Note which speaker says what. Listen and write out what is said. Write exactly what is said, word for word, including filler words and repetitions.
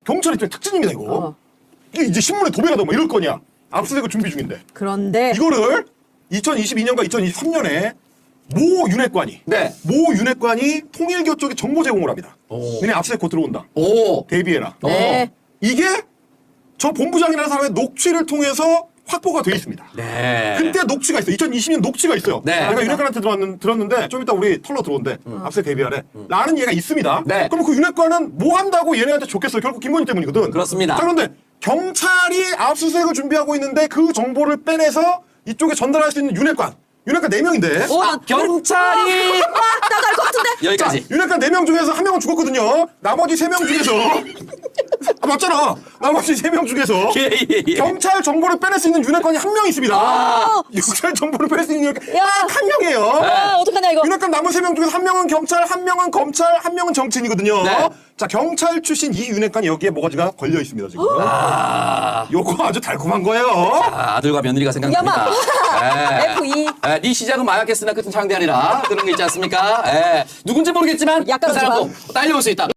Speaker 1: 경찰 입장의 특징입니다 이거.
Speaker 2: 어.
Speaker 1: 이게 이제 신문에 도배가 되고 뭐 이럴 거냐. 압수수색을 준비 중인데.
Speaker 2: 그런데
Speaker 1: 이거를 이천이십이 년과 이천이십삼 년에 모 윤핵관이
Speaker 3: 네.
Speaker 1: 모 윤핵관이 통일교 쪽에 정보 제공을 합니다.
Speaker 3: 오.
Speaker 1: 너네 압수수색 곧 들어온다.
Speaker 3: 오.
Speaker 1: 대비해라.
Speaker 2: 네.
Speaker 1: 이게 저 본부장이라는 사람의 녹취를 통해서 확보가 돼 있습니다.
Speaker 3: 네.
Speaker 1: 그때 녹취가 있어요. 이천이십 년 녹취가 있어요.
Speaker 3: 네.
Speaker 1: 내가 윤핵관한테 들었는, 들었는데 좀 이따 우리 털러 들어온대. 압수수색 대비하래. 라는 얘가 있습니다.
Speaker 3: 네.
Speaker 1: 그럼 그 윤핵관은 뭐 한다고 얘네한테 줬겠어요. 결국 김건희 때문이거든.
Speaker 3: 그렇습니다.
Speaker 1: 자, 그런데 경찰이 압수수색을 준비하고 있는데 그 정보를 빼내서 이쪽에 전달할 수 있는 윤핵관. 윤핵관 네 명인데.
Speaker 2: 오,
Speaker 3: 아, 경찰이
Speaker 2: 아, 나도 알 것 같은데.
Speaker 3: 여기까지.
Speaker 1: 윤핵관 네 명 중에서 한 명은 죽었거든요. 나머지 세 명 중에서 아 맞잖아. 나머지 세 명 중에서
Speaker 3: 예, 예, 예.
Speaker 1: 경찰 정보를 빼낼 수 있는 윤핵관이 한 명 있습니다.
Speaker 3: 아.
Speaker 1: 경찰 정보를 빼낼 수 있는 윤핵관
Speaker 2: 야.
Speaker 1: 한 명이에요.
Speaker 2: 아, 어떡하냐 이거.
Speaker 1: 윤핵관 남은 세 명 중에서 한 명은 경찰, 한 명은 검찰, 한 명은 정치인이거든요.
Speaker 3: 네.
Speaker 1: 자 경찰 출신 이 윤핵관이 여기에 뭐가지가 걸려 있습니다 지금.
Speaker 3: 아.
Speaker 1: 요거 아주 달콤한 거예요.
Speaker 3: 아, 아들과 며느리가 생각납니다. 예.
Speaker 2: 에프 이.
Speaker 3: 예, 네 시작은 마약했으나 끝은 창대하리라. 그런 게 있지 않습니까? 예. 누군지 모르겠지만
Speaker 2: 약간
Speaker 3: 그 사람도 딸려올 수 있다.